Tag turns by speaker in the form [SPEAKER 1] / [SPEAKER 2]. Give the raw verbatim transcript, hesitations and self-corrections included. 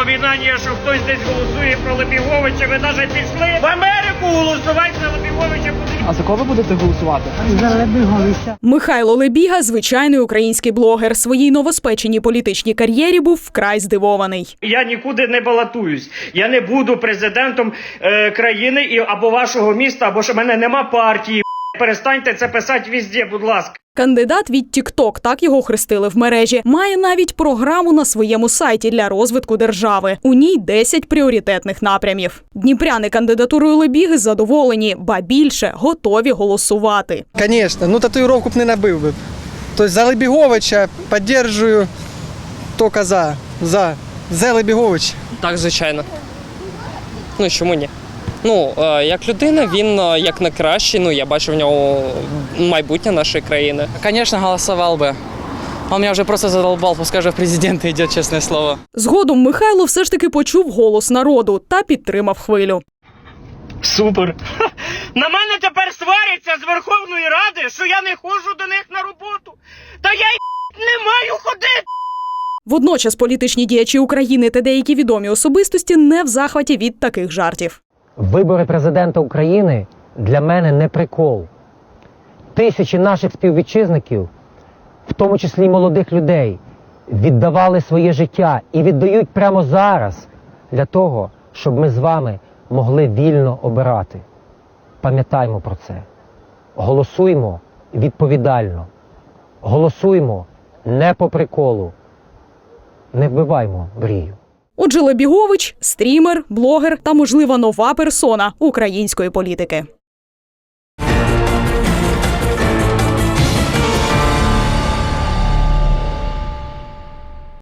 [SPEAKER 1] напоминання, що хтось десь голосує про Лебіговича. Ви навіть пішли в Америку голосувати за Лебіговича.
[SPEAKER 2] А за кого ви будете голосувати?
[SPEAKER 3] За Лебіговича.
[SPEAKER 4] Михайло Лебіга – звичайний український блогер. Своїй новоспеченій політичній кар'єрі був вкрай здивований.
[SPEAKER 1] Я нікуди не балотуюсь. Я не буду президентом е, країни і, або вашого міста, або що в мене нема партії. Перестаньте це писати везде, будь ласка.
[SPEAKER 4] Кандидат від тік-ток, так його хрестили в мережі, має навіть програму на своєму сайті для розвитку держави. У ній десять пріоритетних напрямів. Дніпряни кандидатурою Лебіги задоволені, ба більше – готові голосувати.
[SPEAKER 5] Звісно, ну татуїровку б не набив би. Тобто за Лебіговича підтримую тільки за, за, за Лебіговича.
[SPEAKER 6] Так, звичайно. Ну, чому ні? Ну, е, як людина, він е, як на кращий, ну, я бачу в нього майбутнє нашої країни.
[SPEAKER 2] Звісно, голосував би. Он мене вже просто задолбал, пускай вже в президенти йде, чесне слово.
[SPEAKER 4] Згодом Михайло все ж таки почув голос народу та підтримав хвилю.
[SPEAKER 1] Супер. Ха! На мене тепер сваряться з Верховної Ради, що я не ходжу до них на роботу. Та я й не маю ходити.
[SPEAKER 4] Водночас політичні діячі України та деякі відомі особистості не в захваті від таких жартів.
[SPEAKER 7] Вибори президента України для мене не прикол. Тисячі наших співвітчизників, в тому числі й молодих людей, віддавали своє життя і віддають прямо зараз для того, щоб ми з вами могли вільно обирати. Пам'ятаймо про це. Голосуймо відповідально. Голосуймо не по приколу. Не вбиваймо мрію.
[SPEAKER 4] Отже, Лебігович – стрімер, блогер та, можливо, нова персона української політики.